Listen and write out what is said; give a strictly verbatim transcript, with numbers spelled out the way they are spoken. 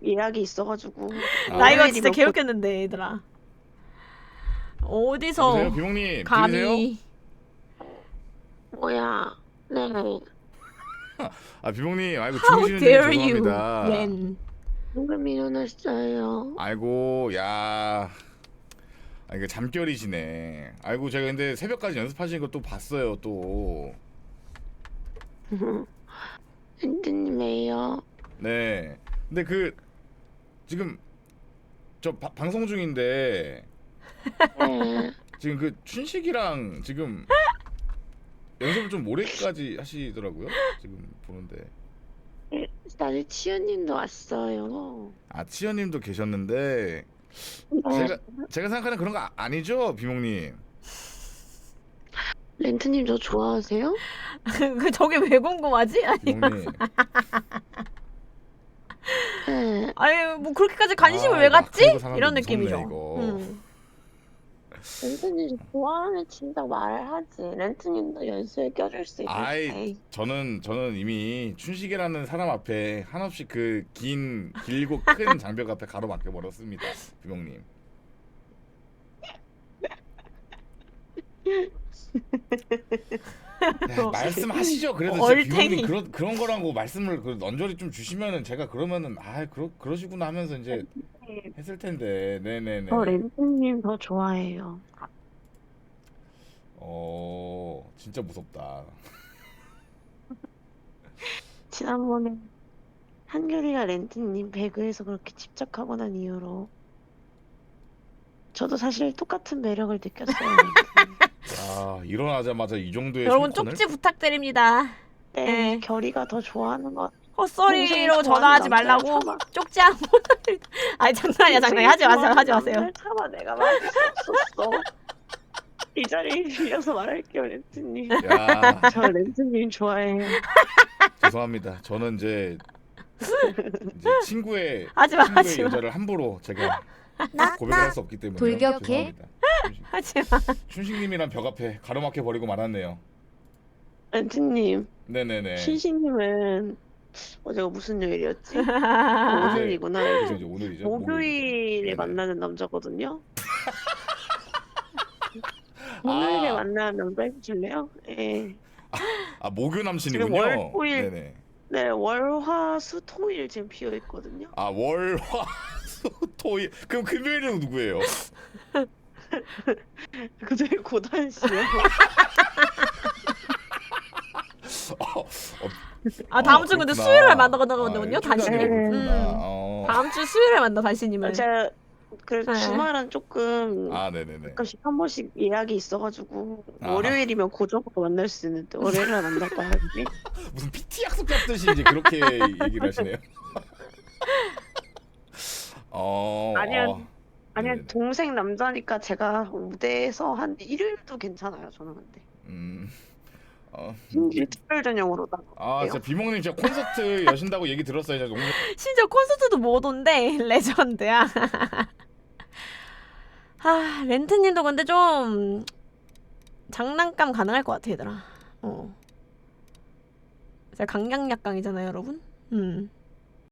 예약이 있어가지고. 아. 나 이거 진짜 월요일이면 개웃겼는데 얘들아. 어디서 여보세요, 비몽님 들리세요? 감히 뭐야? 네. 아 비몽님, 아이고 How 주무시는 중에 dare you, 죄송합니다. 렌. 방금 일어났어요. 아이고 야, 아 이거 잠결이시네. 아이고 제가 근데 새벽까지 연습하시는 거 또 봤어요 또. 렌트님 왜요? 네. 근데 그 지금 저 바, 방송 중인데 네. 지금 그 춘식이랑 지금 연습을 좀 오래까지 하시더라고요. 지금 보는데. 나를 치유님도 왔어요. 아 치현님도 계셨는데 네. 제가 제가 생각하는 그런 거 아, 아니죠, 비몽님? 렌트님 저 좋아하세요? 그 저게 왜 궁금하지? 아니, 비몽님. 네. 아니 뭐 그렇게까지 관심을 아, 왜 이거 갖지? 아카이브 사람들 이런 무섭네, 느낌이죠. 이거. 음. 렌트님 저 좋아하면 진짜 말하지. 렌트님도 연습에 껴줄 수 있을 아이 때. 저는 저는 이미 춘식이라는 사람 앞에 한없이 그 긴 길고 큰 장벽 앞에 가로막혀 버렸습니다, 비몽님. 야, 말씀하시죠. 그래도 진짜 얼탱이. 비몽님 그런 그런 거라고 말씀을 그 넌저리 좀 주시면은 제가 그러면은 아 그러 그러시구나 하면서 이제 했을 텐데. 네네네. 저 렌트님 더 좋아해요. 어 진짜 무섭다. 지난번에 한결이가 렌트님 배그에서 그렇게 집착하고 난 이후로 저도 사실 똑같은 매력을 느꼈어요. 렌트님. 아 일어나자마자 이 정도의 여러분 성건을? 쪽지 부탁드립니다. 네, 네. 결이가 더 좋아하는 것 같아요. 헛소리로 동생 전화하지 좋아하는 남자를 말라고. 참아. 쪽지 한 번. 아니 장난이야 장난이야. 하지 마세요 하지 마세요. 남자를 참아 내가 말할 수 없었어. 이 자리에 빌려서 말할게요, 렌트님. 야 저 렌트님 좋아해요. 죄송합니다. 저는 이제 이제 친구의 하지 마, 친구의 하지 마. 여자를 함부로 제가 나, 고백을 할 나 수 없기 때문에 돌격해? 죄송합니다. 춘식, 하지 마. 춘식님이란 벽 앞에 가로막혀 버리고 말았네요. 렌트님, 네네네. 신신님은 어제가 무슨 요일이었지? 아, 오늘이구나. 그래서 이제 오늘이죠. 목요일에 네네. 만나는 남자거든요. 목요일에 아. 만나는 남자 해주실래요? 예. 아 모교 남친이군요. 지금 월, 토일. 네네. 네, 월, 화, 수, 토일 지금 비어 있거든요. 아 월화 수 토일. 그럼 금요일은 누구예요? 그 되게 고단시요. 어, 어, 아 다음 어, 주 근데 그렇구나. 수요일에 만나거든요. 아, 일주일 단신님. 단위로 그렇구나. 음. 어. 다음 주 수요일에 만나 단신님은. 제가 그 네. 주말은 조금 아 네네네. 가끔씩 한 번씩 예약이 있어가지고 아. 월요일이면 고정으로 만날 수 있는데 월요일은 안 날 거야. 이게. 무슨 피티 약속 잡듯이 이제 그렇게 얘기를 하시네요. 어. 아니야. 어. 아니야 네네네. 동생 남자니까 제가 무대에서 한 일요일도 괜찮아요. 저는 근데 음. 어. 심지어 특별 전용으로 아, 나가요. 진짜 비몽님 진짜 콘서트 여신다고 얘기 들었어요. 제가 너무 심지어 콘서트도 못 온대. 레전드야. 아 렌트님도 근데 좀 장난감 가능할 것 같아 얘들아. 어. 제가 강약약강이잖아요 여러분. 음.